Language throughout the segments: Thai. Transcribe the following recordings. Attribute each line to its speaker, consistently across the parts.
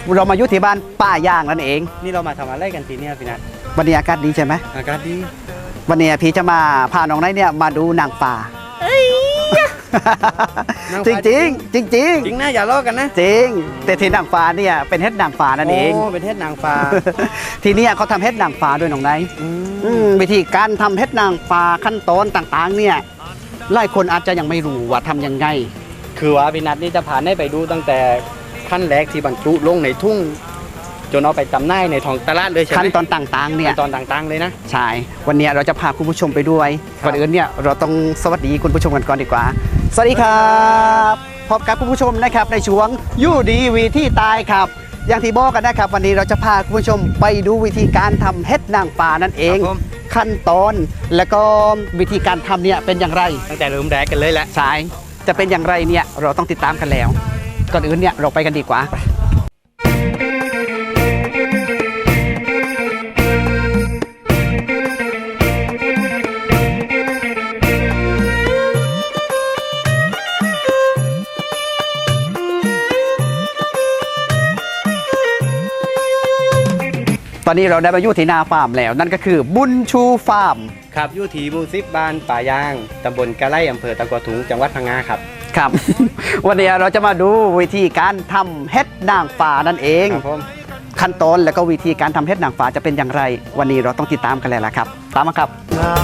Speaker 1: เรามาอยู่ที่บ้านป้าย่างนั่นเอง
Speaker 2: นี่เรามาทำอะไรกันทีนี้พี่นัท
Speaker 1: วันนี้อากาศดีใช่ไหม
Speaker 2: อากาศดี
Speaker 1: วันนี้พี่จะมาพาน้องไนท์เนี่ยมาดูนางฟ้าจริงจริงจริงจริง
Speaker 2: จริงนะอย่าล้อกันนะ
Speaker 1: จริงแต่ที่นางฟ้าเนี่ยเป็นเฮ็ดนางฟ้านั่นเอง
Speaker 2: เป็นเฮ็ดนางฟ้า
Speaker 1: ทีนี้เขาทำเฮ็ดนางฟ้าด้วยน้องไนท์วิธีการทำเฮ็ดนางฟ้าขั้นตอนต่างๆเนี่ยหลายคนอาจจะยังไม่รู้ว่าทำยังไง
Speaker 2: คือว่าพี่นัทนี่จะผ่านให้ไปดูตั้งแต่ขั้นแรกที่บรรจุลงในทุ่งจนเอาไปจำหน่ายในท้องตลาดเลยใช่ไหม
Speaker 1: ขั้นตอนต่างๆเนี่ย
Speaker 2: ขั้นตอนต่างๆเลยนะ
Speaker 1: ใช่วันนี้เราจะพาคุณผู้ชมไปด้วยก่อนอื่นเนี่ยเราต้องสวัสดีคุณผู้ชมกันก่อนดีกว่าสวัสดีครับพบกับคุณผู้ชมนะครับในช่วงยู่ดีวิธีตายครับอย่างที่บอกกันนะครับวันนี้เราจะพาคุณผู้ชมไปดูวิธีการทำเฮ็ดนางฟ้านั่นเองขั้นตอนและก็วิธีการทำเนี่ยเป็นอย่างไร
Speaker 2: ตั้งแต่เริ่มแรกกันเลยแหละ
Speaker 1: ใช่จะเป็นอย่างไรเนี่ยเราต้องติดตามกันแล้วก่อนอื่นเนี่ยเราไปกันดีกว่าตอนนี้เราได้มาอยู่ที่นาฟาร์มแล้วนั่นก็คือบุญชูฟาร์ม
Speaker 2: ครับอยู่ที่หมู่10บ้านป่ายางตำบลกะไลอำเภอตะกัวถุงจังหวัดพังงาครับ
Speaker 1: ครับ วันนี้เราจะมาดูวิธีการทำเฮ็ดนางฟ้านั่นเองขั้นตอนและก็วิธีการทำเฮ็ดนางฟ้าจะเป็นอย่างไรวันนี้เราต้องติดตามกันเลยล่ะครับตามมาครับ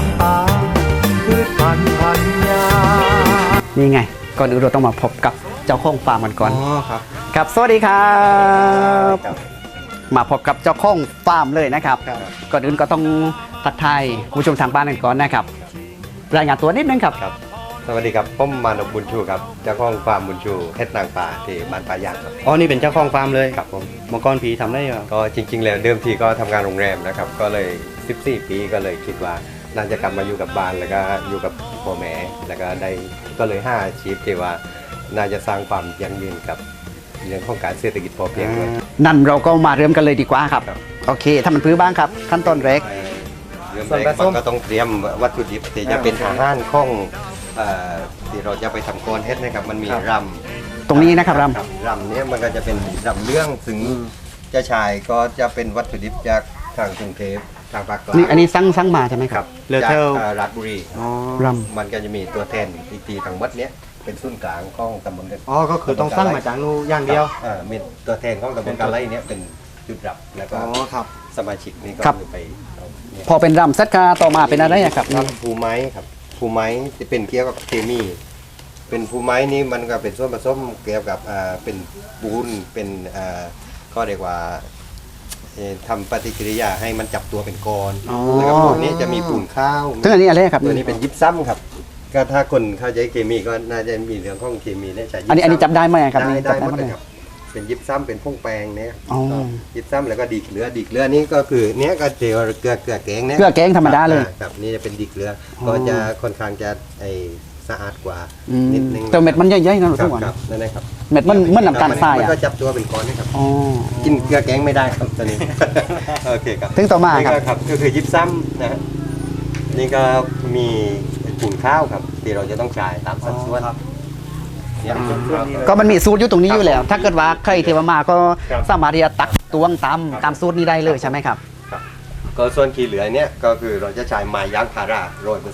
Speaker 1: นี่ไงก่อนอื่นเราต้องมาพบกับเจ้าของฟาร์มกันก่อน
Speaker 2: ครับ
Speaker 1: ครับสวัสดีครับมาพบกับเจ้าของฟาร์มเลยนะครับก่อนอื่นก็ต้องทักทายผู้ชมทางบ้านกันก่อนนะครับรายงานตัวนิดนึงครับ
Speaker 3: สวัสดีครับผมมานพบุญชูครับเจ้าของฟาร์มบุญชูเฮ็ดนางฟ้าที่บ้านป่ายางครับ
Speaker 2: อ๋อนี่เป็นเจ้าของฟาร์มเลย
Speaker 3: ครับผม
Speaker 2: เมื่อก่อนผีทำได้ยัง
Speaker 3: ก็จริงๆแล้วเดิมทีก็ทำงานโรงแรมนะครับก็เลย14ปีก็เลยคิดว่าน่าจะกลับมาอยู่กับบ้านแล้วก็อยู่กับพ่อแม่แล้วก็ได้ก็เลย5อาชีพที่ว่าน่าจะสร้างความยั่งยืนกับเรื่องของการเศรษฐกิจพอเพียงด้วย
Speaker 1: นั่นเราก็มาเริ่มกันเลยดีกว่าครับโอเคถ้ามันพื้นบ้างครับขั้นตอนแรก
Speaker 3: เริ่มแรกมันก็ต้องเตรียมวัตถุดิบที่จะเป็นอาหารของที่เราจะไปทำโกนเฮ็ดนะครับมันมีรำ
Speaker 1: ตรงนี้นะครับร
Speaker 3: ำนี้มันก็จะเป็นรำเรื่องซึ่งจะชายก็จะเป็นวัตถุดิบจากทางกรุงเทพทางภาคกลาง
Speaker 1: นี่อันนี้สั่งมาใช่ไหมครับ
Speaker 3: จากราชบุรี
Speaker 1: รำ
Speaker 3: มันก็จะมีตัวแทนอีกทีทางวัดเนี้ยเป็นศูนย์กลางของตำบล
Speaker 2: อ๋อก็คือต้องสั่งมาจากนู้อย่างเดียว
Speaker 3: มีตัวแทนของตำบลกาไลเนี้ยเป็นจุดรับแล้วก็สมาชิกนี่ก็ไป
Speaker 1: พอเป็นรำซัดกาต่อมาเป็นอะไรครับ
Speaker 3: ภูไม้ครับภูไม้จะเป็นเกี่ยวกับเคมีเป็นภูไม้นี้มันก็เป็นส่วนผสมเกี่ยวกับเป็นปูนเป็นก็เรียกว่าทำปฏิกิริยาให้มันจับตัวเป็นก้อนแล้วก็พวกนี้จะมีปูนข้าว
Speaker 1: ตัวนี้อะไรครับ
Speaker 3: ตัวนี้เป็นยิบซ้ำครับก็ถ้าคนเข้าใจเคมีก็น่าจะมีเรื่องของเคมีเนี่ยใช้
Speaker 1: อันนี้จับได้ไหมครับ
Speaker 3: ได้หมดเลยครับเป็นยิบซ้ำเป็นพงแปงเนี่ยยิบซ้ำแล้วก็ดีเกลือนี่ก็คือเนี้ยก็เจียวเกลือแกงเนี่ย
Speaker 1: เกลือแกงธรรมดาเลย
Speaker 3: ครับนี่จะเป็นดีเกลือก็จะค่อนข้างจะสะอาดกว่านิดนึง
Speaker 1: แต่เม็ดมันใหญ่ๆนะทุกคน
Speaker 3: นั่นแหละครับ
Speaker 1: เม็ดมันน้ำตาลทราย
Speaker 3: มันก็จับตัวเป็นก้อนนะครับกินเกลือแกงไม่ได้ครับตอนนี้โอเคครับ
Speaker 1: ถึงต่อมา
Speaker 3: ครับก็คือยิบซ้ำนะนี่ก็มีปูนข้าวครับที่เราจะต้องจ่ายตามสัดส่วน
Speaker 1: ก็มันมีสูตรอยู่ตรงนี้อยู่แล้วถ้าเกิดว่าใครเทวมาก็สามารถที่จะตักตวงตามสูตรนี้ได้เลยใช่ไหมครับ
Speaker 3: ก็ส่วนขี้เหลือเนี่ยก็คือเราจะใช้ไม้ยางพารา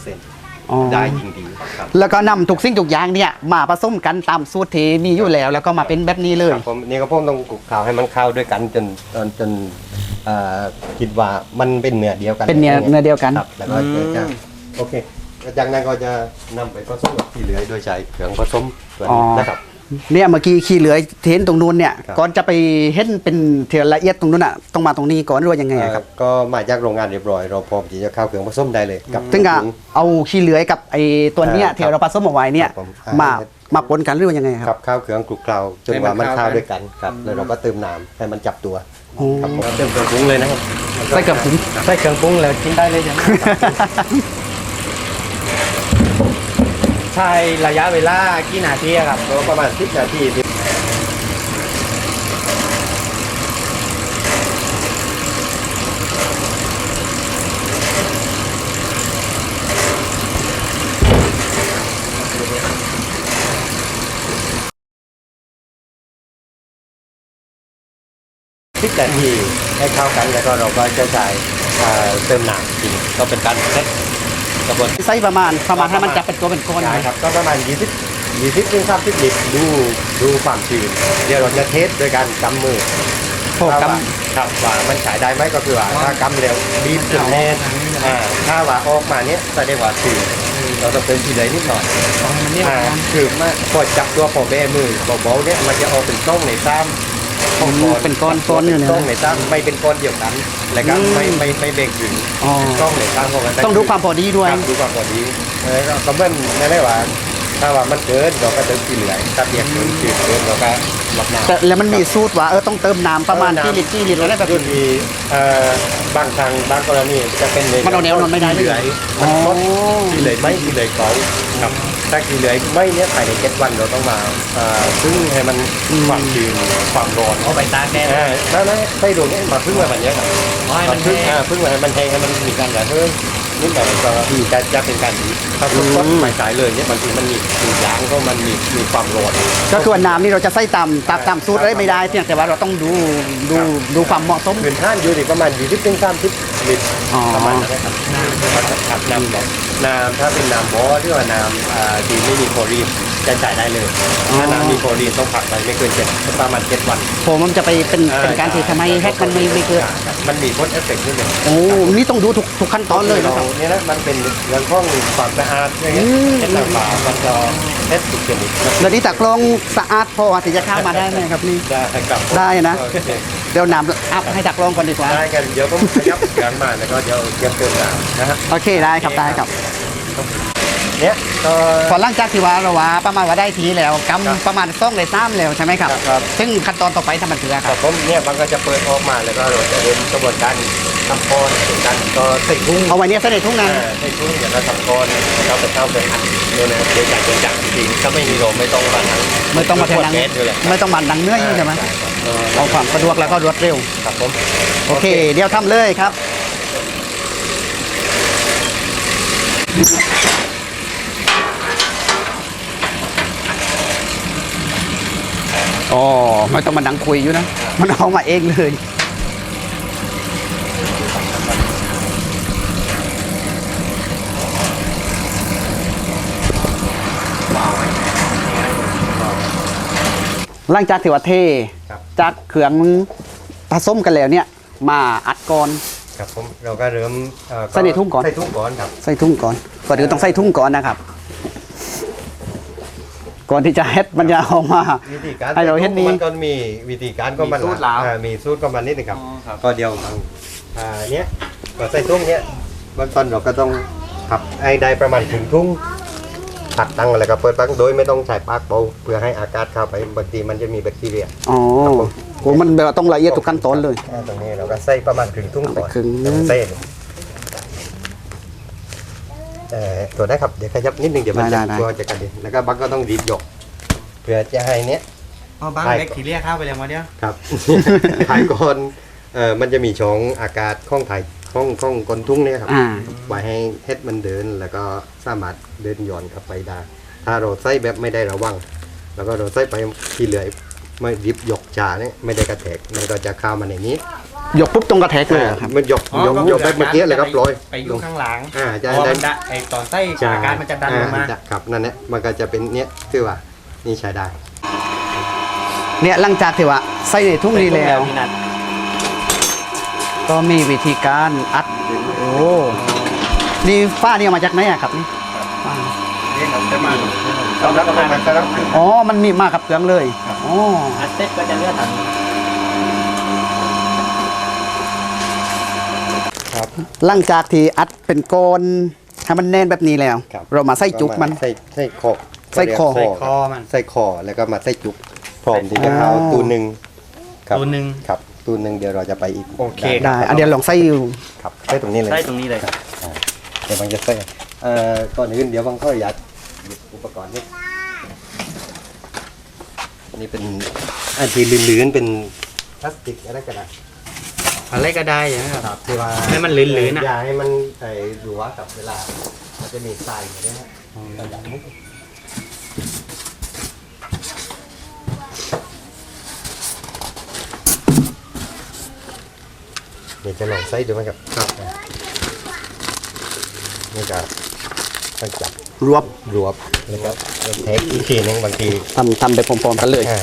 Speaker 3: 100%ได้ยิ่งดีครับ
Speaker 1: แล้วก็นำทุกสิ่งทุกอย่างเนี่ยมาผสมกันตามสูตรที่มีอยู่แล้วแล้วก็มาเป็นแบบนี้เลย
Speaker 3: ผมนี่ก็ผมต้องคลุกเคล้าให้มันเข้าด้วยกันจนคิดว่ามันเป็นเนื้อเดียวกัน
Speaker 1: เป็นเนื้อเดียวกัน
Speaker 3: แล้วก็จะโอเคจากนั้นก็จะนำไปผสมกับขี้เหลือโดยใช้เครื่องผสมตัวนี้นะครับ
Speaker 1: เนี่ยเมื่อกี้ขี้เหลือเห็นตรงนู้นเนี่ยก่อนจะไปเห็นเป็นเทียละเอียดตรงนู้นอ่ะต้องมาตรงนี้ก่อนหรือว่ายังไงครับ
Speaker 3: ก็มาจากโรงงานเรียบร้อยเราพร้อมที่จะเข้าเครื่องผสมได้เลย
Speaker 1: กับถึงกับเอาขี้เหลือกับไอ้ตัวเนี้ยที่เราผสมเอาไว้เนี่ยมาปนกันหรือว่ายังไงครับ
Speaker 3: เข้าเครื่องคลุกเคล้าจนว่ามันเข้าด้วยกันครับแล้วเราก็เติมน้ำให้มันจับตัวครับเติมเครื่องปรุงเลยนะครับ
Speaker 1: ใส่เครื่องปรุง
Speaker 2: แล้วกินได้เลยใช่ไหมใช้ระยะเวลากี่นาทีครับ
Speaker 3: ประมาณ10 นาทีแต่ที่ให้เข้ากันแล้วก็เราก็จะใช้เติมน้ำจริงก็เป็นการเซตกระบวน
Speaker 1: ไส้ประมาณให้มันจับเป็นตัวเป็นก้อน
Speaker 3: ใช่
Speaker 1: ไหม
Speaker 3: ครับก็ประมาณ20ถึง30ลิตรดูความชื้นเดี๋ยวเราจะเทสโดยการกำมือ
Speaker 1: โอ้ก
Speaker 3: ครับว่ามันฉายได้ไหมก็คือว่าถ้ากำเร็วบีบจนแน่นถ้าว่าออกมาเนี้ยแสดงว่าชื้นเราต้องเติมทีเลยนิดหน่อยคือมาพอจับตัวพอแบมือเบาๆเนี้ยมันจะออกเป็นต้องในซ้ำ
Speaker 1: ำเป็นก้อนอยู่เนี่ย
Speaker 3: ต้องในซ้ำไม่เป็นก้อนเดียวกันแล้วก็ไม่เบ่งถึง
Speaker 1: อ๋อ
Speaker 3: ต้องในซ้ำเพราะมัน
Speaker 1: ต้องดูความพอดีด้วย
Speaker 3: ครับดูความพอดีก็เบิ้ลไม่ได้ว่าถ้าว่ามันเกินเราก็เติมทีเหลือถ้าเบียกเกินจืดเกินเราก็หมักน้ำ
Speaker 1: แต่แล้วมันมีสูตรว่าต้องเติมน้ำประมาณกี่ลิตรแล้วได้แบบ
Speaker 3: รุ่นมีบางทางบางกรณีจะเป็นเลย
Speaker 1: มันเอาแนวนอนไม่ได้
Speaker 3: เหลือยมันคดที่เหลือยไม่ที่เหลือยเก่าครับถ้าที่เหลือยไม่เนี้ยภายใน7 วันเราต้องมาซึ่งให้มันความชื้นความร้อน
Speaker 2: เอาไปตากแดด
Speaker 3: นั่นใส่ดวงนี้มาพึ่งมาแบบนี้ครับ
Speaker 2: ให้มัน
Speaker 3: พึ่ง
Speaker 2: แห้ง
Speaker 3: พึ่งมาให้มันแห้งให้มันมีการระเหิดนิดหน่อยก็จะเป็นการดีถ้าสดๆไม่สายเลยเนี่ยบางทีมันมีสียางก็มันมีความร้อน
Speaker 1: ก็คือว่าน้ำนี่เราจะใส่ตามสูตรได้ไม่ได้เพียงแต่ว่าเราต้องดูความเหมาะสม
Speaker 3: พื้นท่านอยู่ที่ประมาณ20ถึง30ลิตร
Speaker 1: อ๋อ
Speaker 3: ประมาณนั้นนะครับครับน้ำแบบน้ำถ้าเป็นน้ำบ่อที่ว่าน้ำดีไม่มีโคลีนจะจ่ายได้เลยถ้าน้ำมีโคลีนต้องผักไปไม่เกินประมาณ7 วัน
Speaker 1: ผมมันจะไปเป็นการที่ทำให้แฮกมันไม่เกิด
Speaker 3: มันมีผลเอฟเฟกต์นิดหนึ่ง
Speaker 1: โอ้นี่ต้องดูทุกขั้นตอนเลยนะครับ
Speaker 3: เนี่ยนะมันเป็นเรื่องของความสะอาดอย่างเงี้ยเช็ดน้ำเปล่ามันจะเช็ดทุกชนิด
Speaker 1: แล้วนี่ตากลองสะอาดพอที่จะเข้ามาได้ไหมครับนี่
Speaker 3: ได้ครับ
Speaker 1: ได้นะ
Speaker 3: โอเค
Speaker 1: เดี๋ยวน้ำอัพให้ตากลองก่อนดีกว่า
Speaker 3: ได้กันเดี๋ยวผมขยับงานมาแล้วก็เดี๋ยวเตรียมเติมน้ำนะฮะ
Speaker 1: โอเคได้ครับได้ครับ
Speaker 3: เนี่ยก็
Speaker 1: พอหลังจากที่ว่าเราว่าประมาณว่าได้ทีแล้วกำประมาณ2 ใน 3แล้วใช่ไหมครับ
Speaker 3: ครับ
Speaker 1: ซึ่งขั้นตอนต่อไปทำมันคือค
Speaker 3: ค
Speaker 1: รั
Speaker 3: รั
Speaker 1: บบ
Speaker 3: ผมเนี่ยมันก็จะเปิดออกมาแล้วก็เราจะเดินกระบวนการทำก้อนเป็นการก็ใส่กุ้ง
Speaker 1: เอาไว้เนี่ยเสด็จทุ่งนา
Speaker 3: ใส่กุ้งอย่างเราทำก้อนแล้วก็ไปเข้าไปอัดเนี่ยนะโดยการเป็นจักรจริงถ้าไม่มีลมไม่ต้องมาทั้ง
Speaker 1: ไม่ต้องมาแทนดัง
Speaker 3: เม็ดด้วยแหละ
Speaker 1: ไม่ต้องมาดังเนื้ออยู่ใช่ไหม
Speaker 3: ครับ
Speaker 1: เอาความสะดวกแล้วก็รวดเร็ว
Speaker 3: ครับผม
Speaker 1: โอเค เดี๋ยวทำเลยครับ อ๋อ ไม่ต้องมาดังคุยอยู่นะ มันเอามาเองเลย หลังจากที่ว่าเท
Speaker 3: ครับ
Speaker 1: จากเครื่องผสมกันแล้วเนี่ย มาอัดก่อน
Speaker 3: ครับผมเราก็เริ่ม
Speaker 1: ใส่ในทุ่งก่อน
Speaker 3: ใส่ทุ่งก่อนครับ
Speaker 1: ใส่ทุ่งก่อนก่อนอื่นต้องใส่ทุ่งก่อนนะครับ ก่อนที่จะเฮ็ดมันจะเอามา
Speaker 3: วิธีการ
Speaker 1: ให้เราเห็นนี้
Speaker 3: มันก็มีวิธีการก็มัน
Speaker 2: มีสูตรแล้ว
Speaker 3: มีสูตรก็มันนิดนึงครับ
Speaker 2: อ๋อครับ
Speaker 3: ก็เดียวเนี้ยก็ใส่ทุ่งเนี้ยเบื้องต้นเราก็ต้องขับให้ได้ประมาณถึงทุ่งตัดตั้งแล้วก็เปิดปักโดยไม่ต้องใส่ปากเบาเพื่อให้อากาศเข้าไปบางทีมันจะมีแบคทีเรีย
Speaker 1: อ๋อโหมันแบบว่าต้องละเอียดทุกขั้นตอนเลย
Speaker 3: ตรงนี้เราก็ใส่ประมาณถึงทุ่งก่อน
Speaker 1: ครึ่งนึง
Speaker 3: เส้นตัวได้ครับเดี๋ยวขยับนิดนึงเดี๋ยวมันจะตัวจะกระเด็นแล้วก็บักก็ต้องรีบยกเพื่อจะให้เนี้ย
Speaker 2: เอาบ้างเล็กทีเรียกเข้าไปแล้วมาเนี่ย
Speaker 3: ครับ ถ่ายก่อนมันจะมีช่องอากาศข้องถ่ายข้องก้นทุ่งเนี่ยครับ
Speaker 1: อ่า
Speaker 3: ไว้ให้เฮ็ดมันเดินแล้วก็สามารถเดินย้อนกลับไปได้ถ้าเราใส่แบบไม่ได้ระวัง แล้วก็เราใส่ไปที่เหลือไม่ริบยกจ่าเนี่ยไม่ได้กระแทกมันก็จะเข้ามาในนี้
Speaker 1: ยกปุ๊บตรงกระแทกเลยเหรอครับ
Speaker 3: มันยกแบบเมื่อกี้เลยครับลอย
Speaker 2: ไปอยู่ข้างหลัง
Speaker 3: จะ
Speaker 2: เพราะว่า
Speaker 3: ได้
Speaker 2: มันไอตอนไส้อาการมันจะดันลงมา
Speaker 3: ครับนั่นแหละมันก็จะเป็นเนี้ยคือว่านี่ใช้ได้
Speaker 1: เนี่ยหลังจากที่ว่าใส่ในทุ่งนี้แล้ว
Speaker 2: พี่นัท
Speaker 1: ก็มีวิธีการอัด โอ้นี่ฝ้านี่เอามาจากไหนอะครับนี่ฝ้า
Speaker 2: นี่ครับจะมา
Speaker 3: แล้วก็มันก็รับ
Speaker 1: อ๋อ มันมีมากับเครื่องเลยอ๋อ
Speaker 2: อัดเซ็ตก็จะเลือดถัง
Speaker 3: ครับ
Speaker 1: หลังจากที่อัดเป็นก้อนให้มันแน่นแบบนี้แล้ว
Speaker 3: ครับ
Speaker 1: เรามาใส่จุกมัน
Speaker 3: ใส่คอ
Speaker 1: ใส่คอ
Speaker 3: ใส่คอใส่คอแล้วก็มาใส่จุกพร้อมที่จะเข้า
Speaker 1: อ๋อ
Speaker 3: ตูนหนึ่งครับ
Speaker 2: ตัวหนึ่ง
Speaker 3: ครับตูนหนึ่งเดี๋ยวเราจะไปอีก
Speaker 2: โอเค
Speaker 1: ได้อันเดียวลองใส่อยู่
Speaker 3: ครับใส่ตรงนี้เลย
Speaker 2: ไส้ตรงนี้เลย
Speaker 3: เดี๋ยวบางจะใส่ก่อนอื่นเดี๋ยวบางก็อยากหยิบอุปกรณ์นี่อันนี้เป็นอันที่ลื่นๆเป็นพลาสติกอะไรก็ได้
Speaker 2: อะไรก็ได้นะครับ
Speaker 3: ครับที่ว่า
Speaker 2: ให้มันลื่นๆนะ
Speaker 3: อย่าให้มันหลัวกับเวลามันจะมีทรายอยู่ด้วยฮะเราอยากให้
Speaker 1: อ
Speaker 3: ยวจะลองใส่ดูไหมครับครับนี่ก็ต้องจับ
Speaker 1: รวบ
Speaker 3: รวบแล้วก็เทคอีกทีนึงบางที
Speaker 1: ทำไปพร้อมๆกันเลย
Speaker 3: อ่า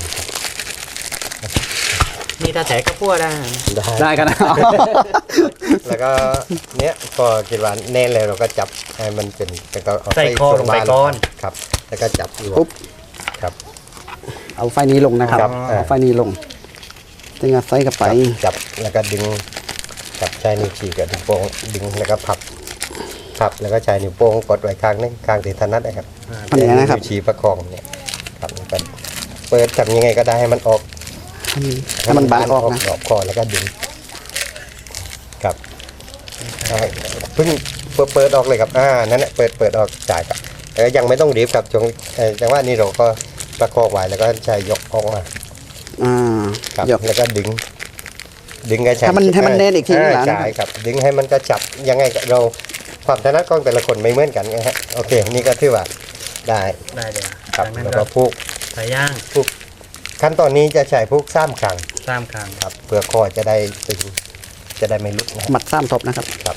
Speaker 2: นี่ถ้าแถกับพวกได้
Speaker 1: ได้กันนะ
Speaker 3: แล้วก็เนี้ยพอคิดว่าแน่นเลยเราก็จับให้มันเป็นแล้วก็เอา
Speaker 2: ใส่คอลงไปก่อน
Speaker 3: ครับ แล้วก็จับรว
Speaker 1: ปุ๊
Speaker 3: บบ ครับ
Speaker 1: เอาไฟนี้ลงนะครับ
Speaker 3: ครับ
Speaker 1: เอาไฟนี้ลงจึงเอาไฟกับไป
Speaker 3: จับแล้วก็ดึงจับใช้นิ้วชี้กับนิ้วโป้งดึงแล้วก็พับแล้วก็ใช้นิ้วโป้งกดไว้ข้างนึงข้างที่ถนัดนะครับ
Speaker 1: ทำอย่างนั้นนะครับ
Speaker 3: วชี้ประคองเนี่ยครับแล้วก็เปิดทำยังไงก็ได้ให้มันออก
Speaker 1: ให้มันบานออกนะ
Speaker 3: ออกคอแล้วก็ดึงครับเพิ่งเปิดออกเลยครับนั่นแหละเปิดออกจ่ายครับแต่ก็ยังไม่ต้องรีบครับจังหวะนี้เราก็ประคองไว้แล้วก็ใช้ยกออกมา
Speaker 1: อ่า
Speaker 3: ครับ
Speaker 1: ยก
Speaker 3: แล้วก็ดึงก็ใช้
Speaker 1: ให้มันแน่นอีกทีนึงนะ
Speaker 3: ใช่ครับดึงให้มันกระชับยังไงเราความถนัดของแต่ละคนไม่เหมือนกันนะฮะโอเคนี่ก็ถือว่าได้
Speaker 2: ได้เลย
Speaker 3: ครับ
Speaker 2: จากนั้น
Speaker 3: แล้ว
Speaker 2: ก็
Speaker 3: ก็ผูก
Speaker 2: ใส่ย่าง
Speaker 3: ขั้นตอนนี้จะใช้ผูก3ครั้ง
Speaker 2: 3 ครั้ง
Speaker 3: ครับเพื่อคอจะได้ตึงจะได้ไม่หลุดนะ
Speaker 1: หมัดซ้ำทบนะครับ
Speaker 3: ครับ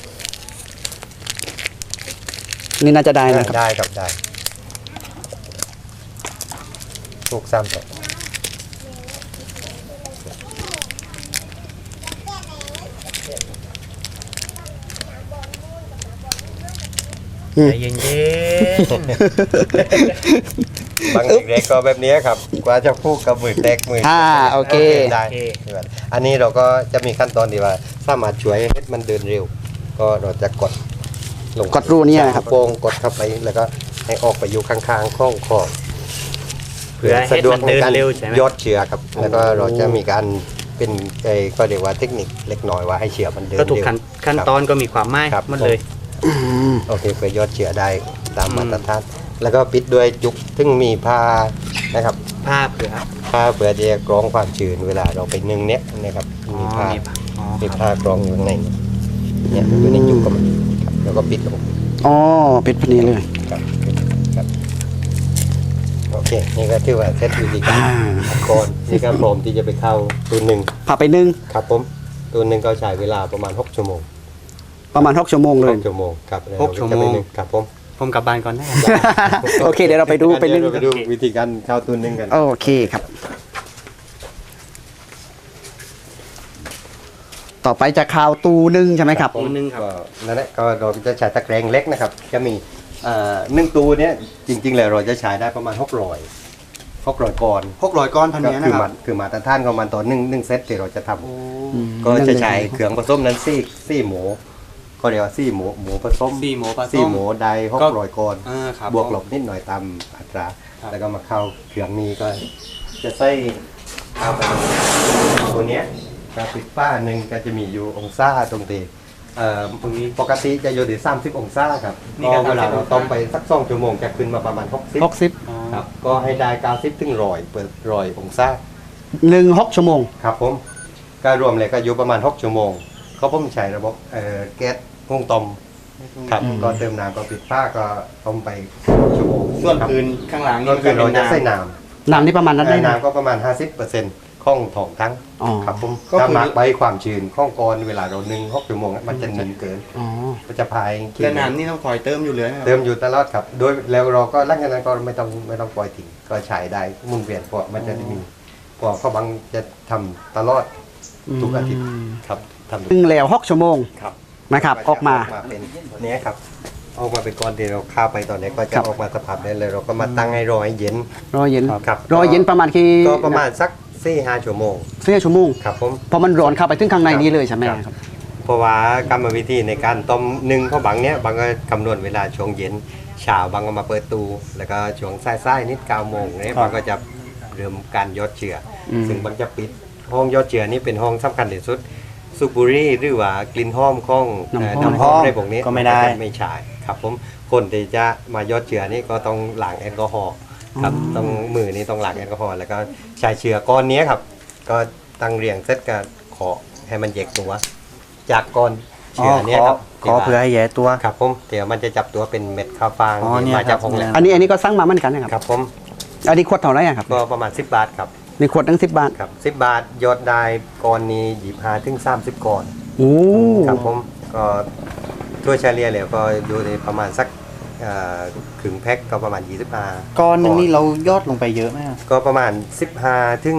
Speaker 1: นี่น่าจะได้นะครับ
Speaker 3: ได้ครับได้ผูก3ต่อ
Speaker 2: ใจเย็น
Speaker 3: บางเด็กๆก็แบบนี้ครับกว่าจะพูดกับมือแตกมือ
Speaker 1: โอเค
Speaker 3: ได้อันนี้เราก็จะมีขั้นตอนที่ว่าสามารถช่วยให้มันเดินเร็ว ก็เราจะกดลง
Speaker 1: กดรูเนี่ยนะครับ
Speaker 3: โป้งกดเข้าไปแล้วก็ให้ออกไปอยู่ข้างๆข้องคอ
Speaker 2: เพื่อให้มันเดินเร็วใช่ไหม
Speaker 3: ยอดเชื้อครับแล้วก็เราจะมีการเป็นก็เรียกว่าเทคนิคเล็กน้อยว่าให้เชื้อมันเดิน
Speaker 2: ก็
Speaker 3: เร็ว
Speaker 2: ถูกขั้นตอนก็มีความหมาย
Speaker 3: ครับ
Speaker 2: มันเลย
Speaker 3: โอเคเพื่อยอดเชื้อได้ตามมาตรฐานแล้วก็ปิดด้วยจุกซึ่งมีผ้านะครับ
Speaker 2: ผ้าเผื่อ
Speaker 3: ผ้าเพื่อจะกรองความชื้นเวลาเราไปนึ่งเนี้ยนะครับมีผ้า
Speaker 2: อ๋อ
Speaker 3: มีผ้ากรองอยู่ข้างในเนี่ยอยู่ในจุกก็มันครับแล้วก็ปิดลง
Speaker 1: อ๋อปิดพอดีเลย
Speaker 3: ครับครับโอเคนี่ก็ถือว่าเซตวิธีการ
Speaker 1: อ่า
Speaker 3: ก่อนนี่ก็พร้อมที่จะไปเข้าตัวหนึ่ง
Speaker 1: พาไปนึ่ง
Speaker 3: ครับผมตัวหนึ่งก็ใช้เวลาประมาณ6 ชั่วโมง
Speaker 1: ประมาณ6 ชั่วโมงเลย
Speaker 3: 6 ชั่วโมงครับ
Speaker 2: 6 ชั่วโมง
Speaker 3: ครับผม
Speaker 2: ผมกลับบ้านก่อนได้
Speaker 1: โอเคเดี๋ยวเราไปดูไปนึ่ง
Speaker 3: เดี๋ยวเราไปดูวิธีการเข้าตัวหนึ่งกัน
Speaker 1: โอเคครับ ต่อไปจะข่าวตูนึ่งใช่ไหมครับ
Speaker 2: ตัวหนึ่งครับ
Speaker 3: ก็นั่นแหละก็เราจะใช้ตะแกรงเล็กนะครับ จะมีหนึ่งตัวเนี้ยจริงๆแล้วเราจะใช้ได้ประมาณ600ก้อน
Speaker 2: 600 ก้อนพัน
Speaker 3: ก็
Speaker 2: เนี้ย
Speaker 3: คื
Speaker 2: นะ
Speaker 3: อ
Speaker 2: ค
Speaker 3: มั
Speaker 2: รับ
Speaker 3: นคือมาตรฐานของมันต่อหนึ่งเซตที่เราจะทำก็จะใช้เครื่องผสมนั้นซี่หมูก็เรียกว่าซี่หมูผสม
Speaker 2: ซี่หมูผสม
Speaker 3: ซี่หมูได้600ก้อน
Speaker 2: ครับ
Speaker 3: บวกลบนิดหน่อยตามอัตรา
Speaker 2: ครับ
Speaker 3: แล้วก็มาเข้าเครื่องนี้ก็จะใส่เข้าไปตัวเนี้ยกราฟิกฝ้าหนึ่งก็จะมีอยู่องศาตรงตีตรงนี้ปกติจะอยู่ที่30 องศาครับ
Speaker 2: นี่
Speaker 3: ก็
Speaker 2: ก็
Speaker 3: เวลาเรา
Speaker 2: 30
Speaker 3: ต้มไปสัก2 ชั่วโมงจะขึ้นมาประมาณ60
Speaker 1: 60
Speaker 3: ครับก็ให้ได้90 ถึง100เปิด100 องศา
Speaker 1: 6 ชั่วโมง
Speaker 3: ครับผมก็รวมเลยก็อยู่ประมาณ6 ชั่วโมงเขาผมใช้ระบบแก๊สหุงต้มครับก็เติมน้ำก็ปิดฝ้าก็ต้มไป6 ชั่วโมง
Speaker 2: ส่วน
Speaker 3: ครับ
Speaker 2: อื่นข้างหลัง
Speaker 3: ก็คือเราจะใส่น้
Speaker 1: น้ำนี่ประมาณนั้นได้
Speaker 3: ำ
Speaker 1: นะ
Speaker 3: น้ำก็ประมาณ 50%ข้องถองทั้ง
Speaker 1: อ๋อ
Speaker 3: ครับผม
Speaker 2: ก็คือ
Speaker 3: ถ้าหมักใบความชื้นข้องกรเวลาเรานึ่ง6 ชั่วโมงมันจะนึ่งเกิน
Speaker 1: อ๋อ
Speaker 3: มันจะพาย
Speaker 2: แต่น้ำนี่ต้องคอยเติมอยู่เลยนะครับ
Speaker 3: เติมอยู่ตลอดครับโดยแล้วเราก็หลังจากนั้นก็ไม่ต้องปล่อยทิ้งก็ใช้ได้หมุนเวียนเพราะมันจะมีเพราะเขาบังจะทำตลอดทุกอาทิตย์ครับทำทุก
Speaker 1: นึ่งแล้ว6 ชั่วโมง
Speaker 3: ครับ
Speaker 1: นะครับออกมา
Speaker 3: เป็นเนี้ยครับออกมาเป็นก้อนที่เราข้าวไปตอนนี้ก็จะ
Speaker 1: ครับ
Speaker 3: ออกมาสภาพได้เลยเราก็มาตั้งให้รอให้เย็น
Speaker 1: รอเย็น
Speaker 3: ครับ
Speaker 1: รอเย็นประมาณกี่
Speaker 3: ก็ประมาณสัก4-5 ชั่วโมง
Speaker 1: 4 ชั่วโมง
Speaker 3: ครับผม
Speaker 1: พอมันร้อนเข้าไปถึงข้างในนี้เลยใช่ไหม
Speaker 3: ครับ
Speaker 1: ครับ
Speaker 3: เพราะว่ากรรมวิธีในการต้มนึ่งข้าวบังเนี้ยบางก็คำนวณเวลาช่วงเย็นเช้าบางก็มาเปิดตู้แล้วก็ช่วงสายๆนิด9 โมงเนี่ยบางก็จะเริ่มการยอดเชื้ออ
Speaker 1: ม
Speaker 3: ซึ่งบางจะปิดห้องยอดเชื้อนี่เป็นห้องสำคัญที่สุดสูบบุหรี่หรือว่ากลิ่นหอมของน้ำหอมในพวกนี้
Speaker 2: ก็ไม่ได้
Speaker 3: ไม่ใช่ครับผมคนที่จะมายอดเชื้อนี่ก็ต้องล้างแอลกอฮอล์ครับต้องมือนี่ต้องล้างแอลกอฮอล์แล้วก็ใช้เชื้อก้อนนี้ครับก็ตั้งเรียงเซตกันขอให้มันแยกตัว จากก้อนเชื้อเนี้ครับ
Speaker 2: ขอเพื่อให้แย่ตัว
Speaker 3: ครับผมเดี๋ยวมันจะจับตัวเป็นเม็ดข้าวฟาง
Speaker 2: อ๋อ
Speaker 3: ที่
Speaker 2: เนี่ย
Speaker 3: มาจาก
Speaker 2: ครับ
Speaker 3: ห้องแลบ
Speaker 1: อันนี้ก็สั่งมาเหมือนกันนะครับ
Speaker 3: ครับผม
Speaker 1: อันนี้ขวดเท่าไหร่อะครับ
Speaker 3: ก็ประมาณ10 บาทครับ
Speaker 1: ในขวดตั้ง10 บาท
Speaker 3: ครับ10 บาทยอดได้ก้อนนี้25 ถึง 30 ก้อน
Speaker 1: โอ้
Speaker 3: ครับผมก็ทั่วเฉลี่ยแล้วก็อยู่ในประมาณสักครึ่งแพ็คก็ประมาณ25
Speaker 2: ก้อนนึงนี่เรายอดลงไปเยอะไหมครับ
Speaker 3: ก็ประมาณ15ถึง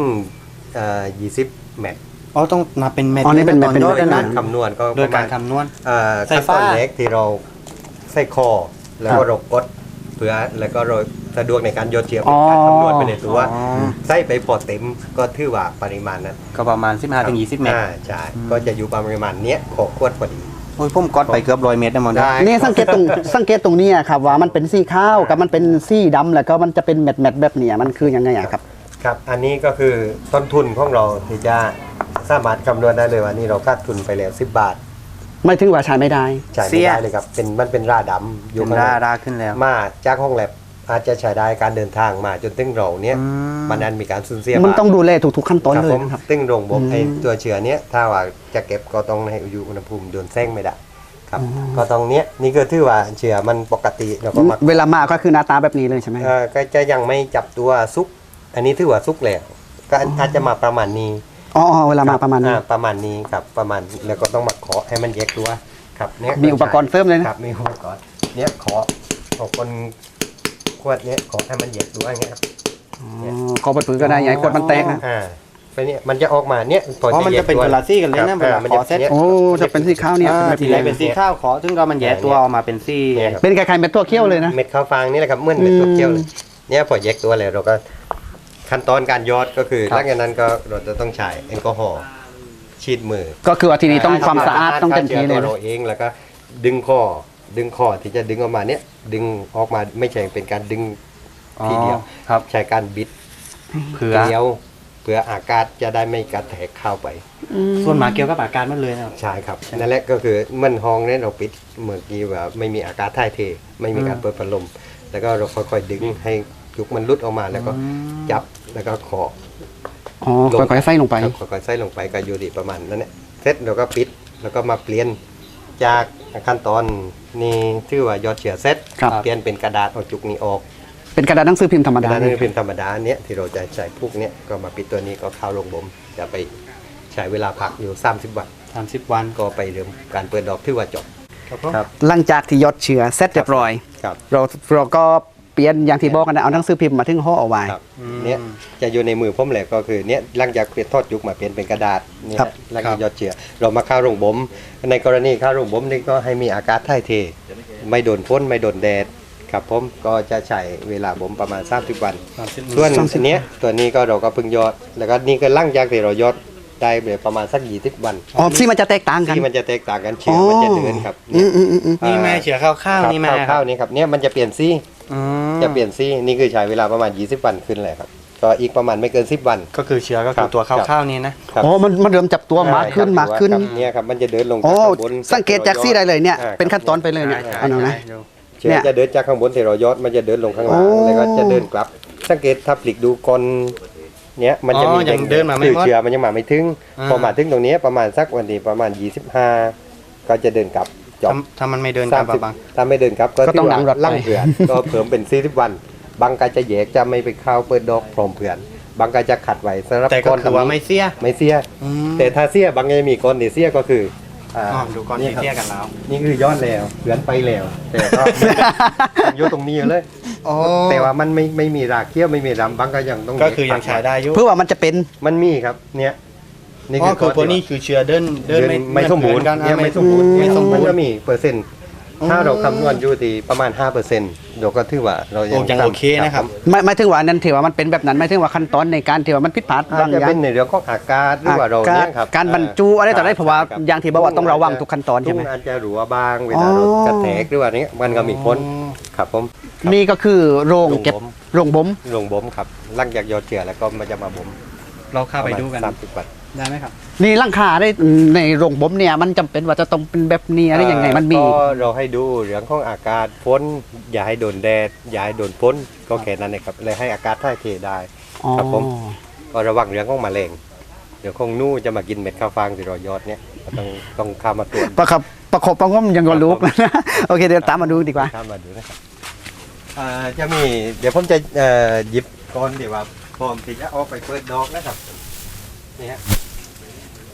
Speaker 3: 20 เม็ด
Speaker 2: อ๋อต้องนับเป็นเม็ด
Speaker 1: อ๋อนี่เป็นเม็ด
Speaker 2: ต
Speaker 1: เป็น
Speaker 2: ยอด
Speaker 1: เม็ด
Speaker 2: เลย
Speaker 3: กา
Speaker 2: นะ
Speaker 3: รคำนวณก็
Speaker 2: โด
Speaker 3: ป
Speaker 2: ย
Speaker 3: ระ
Speaker 2: กา
Speaker 3: มาณ
Speaker 2: รคำนวณ ใส่
Speaker 3: ขั้นต
Speaker 2: ฟ้า
Speaker 3: อนแรกที่เราใส่คอแล้วก็เรากดเพื่อแล้วก็เราสะดวกในการโยนเชียร์เป็นการคำนวณไปในตัว
Speaker 2: อ๋อ
Speaker 3: ใส่ไปพอเต็มก็ถือว่าปริมาณนั้น
Speaker 2: ก็ประมาณ15ถึง20 เม็ด
Speaker 3: ใช่ก็จะอยู่ประมาณเนี้ยขอขวดพอดี
Speaker 2: โอ้ยผมกดไปเกือบ100 เม็ดนะมอน
Speaker 3: ได้
Speaker 1: นี่สังเกตตรงสังเกตตรงเนี้ยครับว่ามันเป็นสีขาวกับมันเป็นสีดำแล้วก็มันจะเป็นเม็ดเม็ดๆแบบเนี้ยมันคือยังไงอะครับ
Speaker 3: ครับ อันนี้ก็คือต้นทุนของเราที่จะสามารถคำนวณได้เลยว่านี่เราคาดทุนไปแล้ว10 บาท
Speaker 1: ไม่ถึงว่าใช้ไม่ได้
Speaker 3: จ่ายไม่ได้เลยครับมันเป็นราดำอยู่
Speaker 2: เป็น
Speaker 3: ข้างใน
Speaker 2: ราขึ้นแล้ว
Speaker 3: มาจากห้องแลบอาจจะใช้ได้การเดินทางมาจนถึงเราเนี้ย
Speaker 2: อืม
Speaker 3: มันนั้นมีการสูญเสีย
Speaker 1: มัน
Speaker 3: บ้าง
Speaker 1: ต้องดูแลทุกๆขั้นตอนเลย
Speaker 3: ผม
Speaker 1: นะครับ
Speaker 3: ตึ้งโรงบ่ม
Speaker 1: อืม
Speaker 3: ไอ้ตัวเชื้อเนี้ยถ้าว่าจะเก็บก็ต้องให้อยู่อุณหภูมิโดนแซงไม่ได้ครับก็ตรงเนี้ยนี่ก็ถือว่าเชื้อมันปกติแล้วก็มา
Speaker 1: เวลามาก็คือหน้าตาแบบนี้เลยใช่ไหม
Speaker 3: ก็จะยังไม่จับตัวซุก อันนี้ถือว่าซุกแล้วก็อาจจะมาประมาณนี้
Speaker 1: อ๋อเวลามาประมาณนี้
Speaker 3: ประมาณนี้ครับประมาณแล้วก็ต้องมาเคาะให้มันแยกตัวครับเนี้ย
Speaker 1: มีอุปกรณ์เสริมเลยนะครับ
Speaker 3: มีอุปกรณ์เนี้ยเคาะของคนขวดเนี้ยเคาะให้มันแยกตัวอย่างเงี้ยครับ
Speaker 1: ขอเปิดเผยก็ได้อย่าให้ขวดมันแตกนะ
Speaker 3: ไปเนี่ยมันจะออกมาเนี่ยพอ
Speaker 2: อ๋อ
Speaker 3: จะ
Speaker 2: มัน
Speaker 3: แย
Speaker 2: จะ
Speaker 3: ก
Speaker 2: เป็น
Speaker 3: ตัว
Speaker 2: คนละซี่กันเลยนะ
Speaker 3: ครับ
Speaker 2: เวลา
Speaker 3: มัน
Speaker 2: ข
Speaker 3: จะ
Speaker 2: อเซ็ต
Speaker 3: เนี่ย
Speaker 1: โอ้จะเป็นสีขาวเนี่ย
Speaker 2: ทีไรเป็นซี่ข้าวขอซึ่งก็มันแย่ตัวออกมาเป็นซี่
Speaker 3: เนี่ยครับ
Speaker 1: เป็นคล้ายๆเม็ดตัวเขี้ยวเลยนะ
Speaker 3: เม็ดข้าวฟางนี่แหละครับเหมื่อนเม็ดตัวเกี้ยวเลยเนี่ยพอแยกตัวแล้วเราก็ขั้นตอนการยอดก็คือหลังจากนั้นก็เราจะต้องใช้แอลกอฮอล์ฉีดมือ
Speaker 1: ก็คือว่าทีนี้ต้องความสะอาดต้องเต็มที่เลย
Speaker 3: ฆ่าชื้อตัวเราเองแล้วก็ดึงคอที่จะดึงออกมาเนี่ยดึงออกมาไม่ใช่เป็นการดึงทีเดียว
Speaker 2: ครับ
Speaker 3: ใช้การบิด
Speaker 2: เผื่อ
Speaker 3: เกลียวเพื่ออากาศจะได้ไม่กระแทกเข้าไป
Speaker 2: ส่วนหมาเกี่ยวกับอาการมันเลยนะครับ
Speaker 3: ใช่ครับนั่นแหละก็คือมันห้องเนี่ยเราปิดเมื่อกี้ว่าไม่มีอากาศถ่ายเท ไม่มีการเปิดพัดลม แล้วก็เราค่อยๆดึงให้ยุกมันลุดออกมาแล้วก็จับแล้วก็เคาะ
Speaker 1: อ๋อค่อยๆใส่ลงไป
Speaker 3: ครับค่อยๆใส่ลงไปก็อยู่ดีประมาณนั้นแหละเสร็จเราก็ปิดแล้วก็มาเปลี่ยนจากขั้นตอนนี้ชื่อว่ายอดเชื้อเสร็จ
Speaker 1: ครับ
Speaker 3: เปลี่ยนเป็นกระดาษเอาจุกนี้ออก
Speaker 1: เป็นกระดาษหนังสือพิมพ์ธรรม
Speaker 3: กระ
Speaker 1: ดา
Speaker 3: ดาษ
Speaker 1: เนี่ย
Speaker 3: นี่เป็นธรรมดาเนี้ยที่เราจะใช้พวกเนี้ยก็มาปิดตัวนี้ก็เข้าลงบ่มจะไปใช้เวลาพักอยู่30 วัน
Speaker 2: 30 วัน
Speaker 3: ก็ไปเริ่มการเปิดดอกที่ว่าจบ ครับ
Speaker 1: หลังจากที่ยอดเชื้อเสร็จเรียบร้อย
Speaker 3: ครับ
Speaker 1: เราก็เปลี่ยนอย่างที่บอกกันนะเอาหนังสือพิมพ์มาถึงห่อเอาไว้
Speaker 3: ครับเนี่ยจะอยู่ในมือผมแหละก็คือเนี่ยหลังจากเปลี่ยนทอดยุกมาเปลี่ยนเป็นกระดาษเนี่ย
Speaker 1: ครับ
Speaker 3: หลังจากยอดเชื้อเรามาเข้าโรงบ่มในกรณีเข้าโรงบ่มนี่ก็ให้มีอากาศถ่ายเท ไม่โดนฝนไม่โดนแดดครับผมก็จะใช้เวลาบ่มประมาณ30 วัน ส่วนอันเนี้ยตัวนี้ก็เราก็เพิ่งยอด แล้วก็นี่ก็หลังจากที่เรายอดได้ประมาณสัก20 วัน
Speaker 1: อ๋อที่มันจะแตกต่างกัน
Speaker 3: ที่มันจะแตกต่างกันเชื้อมันจะเดินครับ
Speaker 1: อืมอืมอืมอืม
Speaker 2: นี่แม่เฉือข้าวๆนี่แม่
Speaker 3: ข้าวๆนี่ครับเนี่ยมันจะเปลี่ยนซี่
Speaker 2: อืม
Speaker 3: จะเปลี่ยนซี่นี่คือใช้เวลาประมาณ20 วันขึ้นเลยครับก็อีกประมาณไม่เกิน10 วัน
Speaker 2: ก็คือเชื้อก็คือตัวข้าวๆนี่นะ
Speaker 3: ครับ
Speaker 1: อ๋อมันเริ่มจับตัวมากขึ้น
Speaker 3: ใช่
Speaker 1: มากขึ้น
Speaker 3: ครับเนี่ยครับมันจะเดินลง
Speaker 1: โอ้
Speaker 3: จากข้างบน
Speaker 1: สังเกตจากซี่ได้เลยเนี่ย
Speaker 3: อ่า
Speaker 1: เป็นขั้นตอนไปเลยเนี่ย
Speaker 3: ใช่
Speaker 1: เอาหน่อยนะ
Speaker 3: เชื้อจะเดินจากข้างบนที่เรายอดมันจะเดินลงข้างล่าง
Speaker 1: โอ้
Speaker 3: แล้วก็จะเดินกลับ สังเกตถ้าปลิกดูก่อนเนี้ยมันจะมี
Speaker 2: ยังเดินมาไม่
Speaker 3: คือ
Speaker 2: หมด
Speaker 3: เชื้อมันยังมาไม่ถึง
Speaker 2: อ่า
Speaker 3: พอมาถึงตรงนี้ประมาณสักวันที่ประมาณ25ก็จะเดินกลับจบ
Speaker 2: ถ้ามันไม่เดินกลับอะบัง
Speaker 3: ถ้าไม่เดินครับก็
Speaker 1: ก็ต้องหลังรถไป
Speaker 3: ลั่งเผือน ก็เพิ่มเป็น40 วัน บางก็จะแยกจะไม่ไปเข้าเปิดดอกพร้อมเผือน บางก็จะขัดไว้สำหรับ
Speaker 2: แต่ก็
Speaker 3: ก้อน
Speaker 2: คือว่าไม่เสีย
Speaker 3: ไม่เสีย
Speaker 2: อืม
Speaker 3: แต่ถ้าเสียบางก็จะมีก้อนที่เสียก็คืออ่า
Speaker 2: อ๋อดูก้อนที่เสียกันแล้ว
Speaker 3: นี่คือยอดแล้วเผือนไปแล้ว แต่ก็ ยกตรงนี้อยู่เลย
Speaker 2: โอ้
Speaker 3: แต่ว่ามันไม่มีรากเขี้ยวไม่มีรำบางก็ยังต้อง
Speaker 2: ก็คือยังใช้ได้อยู่
Speaker 1: เพื่อว่ามันจะเป็น
Speaker 3: มันมีครับเนี่ย
Speaker 2: อ๋อคือพวกนี้คือเชื้อเดิน
Speaker 3: ไม่สมบูรณ์
Speaker 2: กัน
Speaker 3: เนี่ยไม่สมบูรณ์
Speaker 2: ไม่สมบู
Speaker 3: มัน
Speaker 2: ร
Speaker 3: ก็
Speaker 2: ณ์
Speaker 3: มีเปอร์เซ็นต์ถ้าเราคำนวณอยู่ที่ประมาณ 5%เดี๋ยวก็ถือว่าเรา
Speaker 2: โอ้ยังโอเคนะครับ
Speaker 1: ไม่ถึงว่านั้นถือว่ามันเป็นแบบนั้นไม่ถึงว่าขั้นตอนในการถือว่ามันผิดพลาด
Speaker 3: อา
Speaker 1: บา
Speaker 3: จ
Speaker 1: ง
Speaker 3: จะ
Speaker 1: อย่า
Speaker 3: เป็
Speaker 1: ง
Speaker 3: นในเรื่องของอากาศหรือว่าเราเนี่ยครับ
Speaker 1: การบรรจุอะไรต่ออะไรเพราะว่า
Speaker 3: ใช่ครับ
Speaker 1: อย่างที่บอกว่าต้องระวังทุกขั้นตอนใช่ไหม
Speaker 3: ทุ่งอาจจะหรัวบางเวลาเรากระแทกหรือว่านี้มันก็มีพ้นครับผม
Speaker 1: นี่ก็คือโรงเก็บโรงบ่ม
Speaker 3: ลงบ่มครับหลังจากยอดเชื้อแล้วก็มันจะมาบ่ม
Speaker 2: เราเข้าไปดูกัน
Speaker 3: 30 วัน
Speaker 2: ได้ไหมครับ
Speaker 1: นี่ร่างคาได้ในโรงบ่มเนี่ยมันจำเป็นว่าจะต้องเป็นแบบนี้อะไรยังไงมันมี
Speaker 3: ก็เราให้ดูเรื่องของอากาศพ้นอย่าให้โดนแดดอย่าให้โดนฝนก็แค่นั้นเองครับเลยให้อากาศถ่ายเทได้
Speaker 1: อ๋อ
Speaker 3: ครับผม ก็ระวังเรื่องของแมลงเดี๋ยวคงนู่จะมากินเม็ดข้าวฟางที่เรายอดเนี่ยก็ต้องเข้ามาตรวจ
Speaker 1: ประคับประคบประงมยังก็ลุกนะ โอเคเดี๋ยวตามมาดูดีกว่า
Speaker 3: เข้ามาดูนะครับจะมีเดี๋ยวผมจะหยิบก้อนเดี๋ยวว่าพร้อมที่จะเอาไปเปิดดอกนะครับนี่ฮะ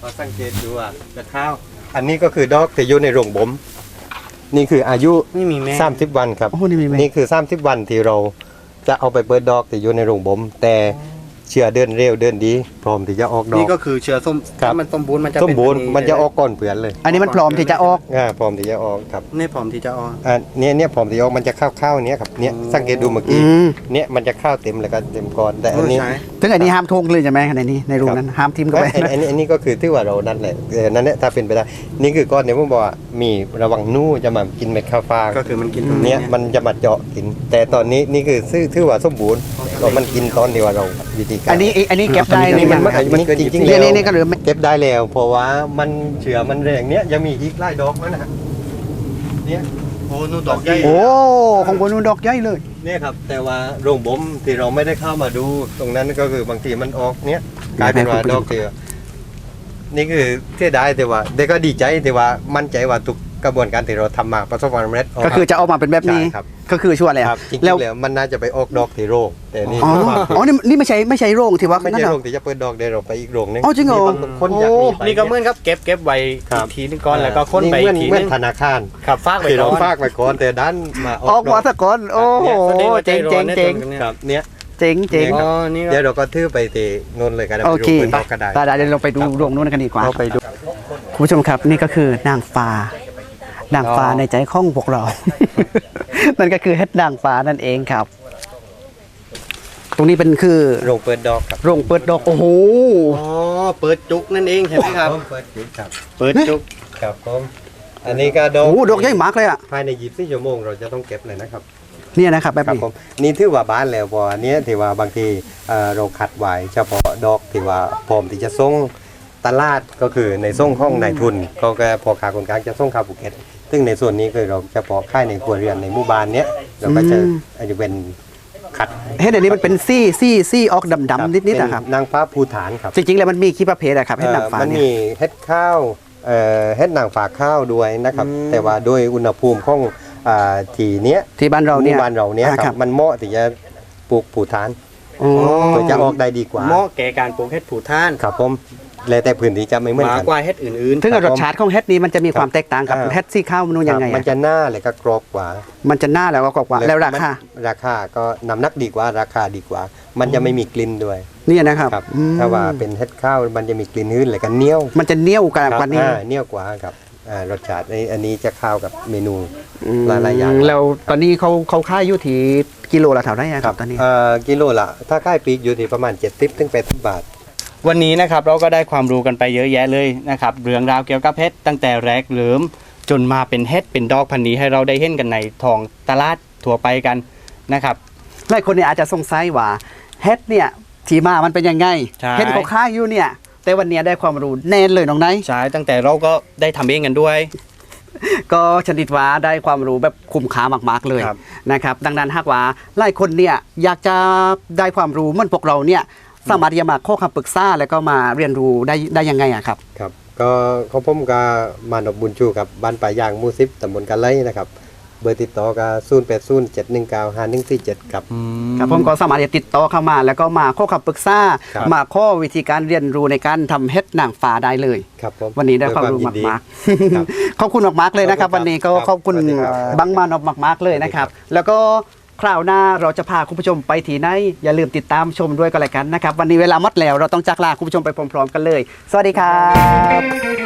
Speaker 3: เราสังเกตดูอ่ะกระข้าวอันนี้ก็คือดอกที่อยู่ในโรงบ่มนี่คืออายุ
Speaker 2: ไม่มีแม่
Speaker 3: 30 วันครับ
Speaker 1: โอ้นี่มีไหม
Speaker 3: นี่คือ30 วันที่เราจะเอาไปเปิดดอกที่อยู่ในโรงบ่มแต่เชื่อเดินเร็วเดินดีพร้อมที่จะออกดอก
Speaker 2: นี่ก็คือเชื้อส้ม
Speaker 3: ครับ
Speaker 2: ถ้ามันสมบูรณ์มันจะ
Speaker 3: สมบูรณ์
Speaker 2: เป็
Speaker 3: มันจะออกก่อนเผื่อนเลย
Speaker 1: อันนี้มันพร้อมที่จะออก
Speaker 3: พร้อมที่จะออกครับ
Speaker 2: นี่พร้อมที่จะออก
Speaker 3: เนี่ยพร้อมที่จะออกมันจะข้าวๆเนี้ยครับเนี่ยสังเกตดูเมื่อกี้
Speaker 1: อืม
Speaker 3: เนี่ยมันจะข้าวเต็มแล้วก็เต็มก้อนแต่อันนี้
Speaker 2: ใช่
Speaker 1: ถึงอันนี้ห้ามทงเลยใช่ไหมในนี้ในรูนั้นห้ามทิมเข้าไป
Speaker 3: อันนี้ก็คือที่ว่าเรานั่นแหละนั่นแหละถ้าเป็นไปได้นี่คือก้อนเนี่ยผมบอกว่ามีระวังนู่จะมากินเม็ดข้าวฟาง
Speaker 2: ก็คือมันกินตรง
Speaker 3: เนี่ยมันจะมาเจาะกิน แต่ตอนนี้นี่คือถือว่าสมบูรณ์เรามันกินตอนที่ว่าเราวิธีการ
Speaker 1: อันนี้เก็บได้
Speaker 3: นี่มัน
Speaker 1: ครับ
Speaker 3: มันจริงๆ
Speaker 1: นี่
Speaker 3: แล้ว
Speaker 1: นี่ก็เหลือไม่
Speaker 3: เก็บได้แล้วเพราะว่ามันเฉือมันแรงเนี้ยยังมีอีกหลายดอกแล้วนะฮะเนี่ย
Speaker 2: โอ้นู่นดอกใหญ่
Speaker 1: โอ้ของบนนู้นดอกใหญ่เลย
Speaker 3: เนี่ยครับแต่ว่าโรงบ่มที่เราไม่ได้เข้ามาดู ตรงนั้นก็คือบางทีมันออกเนี้ยกลายเป็นว่าดอกเดียวนี่คือเสียดายแต่ว่าแต่ก็ดีใจแต่ว่ามั่นใจว่าทุกกระบวนการที่เราทำมาประสบความสำเร็จ
Speaker 1: ก็คือจะออกมาเป็นแบบนี้
Speaker 3: ใช่ครับ
Speaker 1: ก็คือชัวร์แล้ว
Speaker 3: ครับจริง
Speaker 1: แล้ว
Speaker 3: ๆแล้วมันน่าจะไปออกดอกที่โรงแต่นี่
Speaker 1: อ๋ออ๋อนี่ไม่ใช่โรงที่ว่า
Speaker 3: ไม่
Speaker 1: นั่
Speaker 3: ใช่
Speaker 1: นเหร
Speaker 3: โร
Speaker 1: อ
Speaker 3: งที่จะเปิดดอกเดี๋ยวเราไปอีกโรงนึง
Speaker 1: อ๋อจริงเหรอ
Speaker 3: มีบางคนอยากมีไป
Speaker 2: นี่ก็เหมือนครับเก็บไว้
Speaker 3: ครั
Speaker 2: อี
Speaker 3: บ
Speaker 2: กทีนึงก่อนแล้วก็ค้นไปอีกที
Speaker 3: เหมื
Speaker 2: นึ
Speaker 3: อน
Speaker 2: ง
Speaker 3: ธนาคาร
Speaker 2: ครับฟากไว้
Speaker 3: ที่
Speaker 2: ก่
Speaker 3: เรา
Speaker 2: อน
Speaker 3: ฝากไว้ก่อนแต่ด้านมา
Speaker 1: ออกมา
Speaker 3: ด
Speaker 1: ซะก่อนโอ้โห
Speaker 2: แสดงว่าใจ
Speaker 1: เจ๋ง
Speaker 2: ร้
Speaker 1: เจ๋
Speaker 2: อน
Speaker 1: ง
Speaker 2: นี่
Speaker 1: เจ๋ง
Speaker 3: ครับเนี่ย
Speaker 1: เจ๋งเจ๋ง
Speaker 2: อ๋อนี่ก็
Speaker 3: เดี๋ยวเราก็ทื่อไปที่นนเลยกัน
Speaker 1: โอเค
Speaker 3: ไปดูเปิดดอกก็ได้
Speaker 1: เดี๋ยวเราไปดูโรงนู้นกันดีกว่า
Speaker 3: เราไปดู
Speaker 1: คุณผู้ชมครับนี่ก็คือนางฟ้านางฟ้าในใจของพวกเรา นั่นก็คือเฮ็ดนางฟ้านั่นเองครับ ตรงนี้เป็นคือ
Speaker 3: โรงเปิดดอกครับ
Speaker 1: โรงเปิดดอกโอ้โห
Speaker 2: อ๋อเปิดจุกนั่นเองใช่ไหมครับ
Speaker 3: เปิดจุดครับ
Speaker 2: เปิดจุก
Speaker 3: ครับผมอันนี้ก็ดอก
Speaker 1: โอ้โหดอกใหญ่มากเลยอ่ะ
Speaker 3: ภายใน24 ชั่วโมงเราจะต้องเก็บเลยนะครับ
Speaker 1: เนี่ยนะครับแบบ
Speaker 3: ครับ
Speaker 1: นี้
Speaker 3: ผมนี่ถือว่าบ้านแล้วเพราะอันเนี้ยที่ว่าบางทีเราคัดไว้เฉพาะดอกที่ว่าพร้อมที่จะส่งตลาดก็คือในส่งห้องนายทุนก็พอขาคนกลางจะส่งเข้าภูเก็ตซึ่งในส่วนนี้คือเราเฉพาะค่ายในครัวเรือนในหมู่บ้านเนี้ยเราก็จะอาจจะเป็นคัด
Speaker 1: เฮ็ดอันนี้มันเป็นซี่ออกดำๆนิดๆนะครับ
Speaker 3: เป็นนางฟ้าภูฐานครับ
Speaker 1: จริงๆแล้วมันมีกี่ประเภทอะครับเฮ็ดนางฟ้า
Speaker 3: มัน
Speaker 1: เนี่ย
Speaker 3: มีเฮ็ดข้าวเฮ็ดนางฟ้าข้าวด้วยนะครับแต่ว่าโดยอุณหภูมิของที่เนี้ย
Speaker 1: ที่บ้านเราเนี่ย
Speaker 3: หมู่บ้านเราเนี้ย
Speaker 1: อ่า
Speaker 3: ค
Speaker 1: ครั
Speaker 3: รับบ มันเหมาะที่จะปลูกภูฐาน
Speaker 1: อ๋อ
Speaker 3: เพื่อจะออกได้ดีกว่า
Speaker 2: เหมาะแก่การปลูกเห็ดผูท่าน
Speaker 3: ครับผมแล้วแต่พื้นที่จะไม่เหมือน
Speaker 2: หมา
Speaker 3: กัน
Speaker 2: กว่าเห็ดอื่น
Speaker 1: ถึงกับรสชาติของเฮ็ดนี้มันจะมีความแตกต่างกับ
Speaker 3: อ่า
Speaker 1: เฮ็ดซี่ข้าวมันยังไง
Speaker 3: มัน
Speaker 1: อะ
Speaker 3: จะหน้าเลยก็กรอบกว่า
Speaker 1: มันจะหน้าแล้วก็กว่าแล้วราคา
Speaker 3: ราคาก็น้ำหนักดีกว่าราคาดีกว่า มันจะไม่มีกลิ่นด้วย
Speaker 1: เนี่ยนะครับ
Speaker 3: ครับ
Speaker 1: อืม
Speaker 3: ถ้าว่าเป็นเฮ็ดข้าวมันจะมีกลิ่นหืนเลยก็เหนียว
Speaker 1: มันจะเหนียวกว่านี้
Speaker 3: เหนียวกว่าครับรสชาติอันนี้จะเข้ากับเมนู หลายๆอย่าง
Speaker 1: แล้วตอนนี้เขาค่ายอยู่ที่กิโลละเท่าไหร่อะครับตอนนี้
Speaker 3: กิโลละถ้าค่ายปีกอยู่ที่ประมาณ70ถึง80 บาท
Speaker 2: ๆ วันนี้นะครับเราก็ได้ความรู้กันไปเยอะแยะเลยนะครับเรื่องราวเกี่ยวกับเห็ดตั้งแต่แรกเริ่มจนมาเป็นเห็ดเป็นดอกพันธุ์นี้ให้เราได้เห็นกันในท้องตลาดทั่วไปกันนะครับ
Speaker 1: หลายคนเนี่ยอาจจะสงสัยว่าเฮ็ดเนี่ยที่มามันเป็นยังไง
Speaker 2: ใช่
Speaker 1: เฮ็ดเขาค่ายอยู่เนี่ย แต่วันนี้ได้ความรู้แน่นเลยน้องไนท์
Speaker 2: ใช่ตั้งแต่เราก็ได้ทำเองกันด้วย
Speaker 1: ก็ชนิดว่าได้ความรู้แบบคุ้มค่ามากๆเลย
Speaker 2: ครับ
Speaker 1: นะครับดังนั้นหากว่าหลายคนเนี่ยอยากจะได้ความรู้เหมือนพวกเราเนี่ยสามารถที่จะมาข้อคำปรึกษาแล้วก็มาเรียนรู้ได้ยังไงอะครับ
Speaker 3: ครับก็เขาผมก็มานพบุญชูกับบ้านป่ายางหมู่10ตำบลกะไลนะครับเบอร์ติดต่อก็0807195147ครับ
Speaker 1: ครับผมก็สามารถที่จะติดต่อเข้ามาแล้วก็มาข้อคำปรึกษา
Speaker 3: ครับ
Speaker 1: มาข้อวิธีการเรียนรู้ในการทำเฮ็ดนางฟ้าได้เลย
Speaker 3: ครับผม
Speaker 1: วันนี้ได้ความรู้
Speaker 3: ด้วยยินดี
Speaker 1: มาก
Speaker 3: ครับ
Speaker 1: ๆ ขอบคุณมากๆเลยนะครับ
Speaker 3: ขอบคุณครับ
Speaker 1: วันนี้ก็ขอบคุณ
Speaker 3: สวัสดีครับ
Speaker 1: บังมานพมากๆเลยนะครับ แล้วก็คราวหน้าเราจะพาคุณผู้ชมไปที่ไหนอย่าลืมติดตามชมด้วยกันเลยกันนะครับ วันนี้เวลาหมดแล้วเราต้องจากลาคุณผู้ชมไปพร้อมๆกันเลย สวัสดีครับ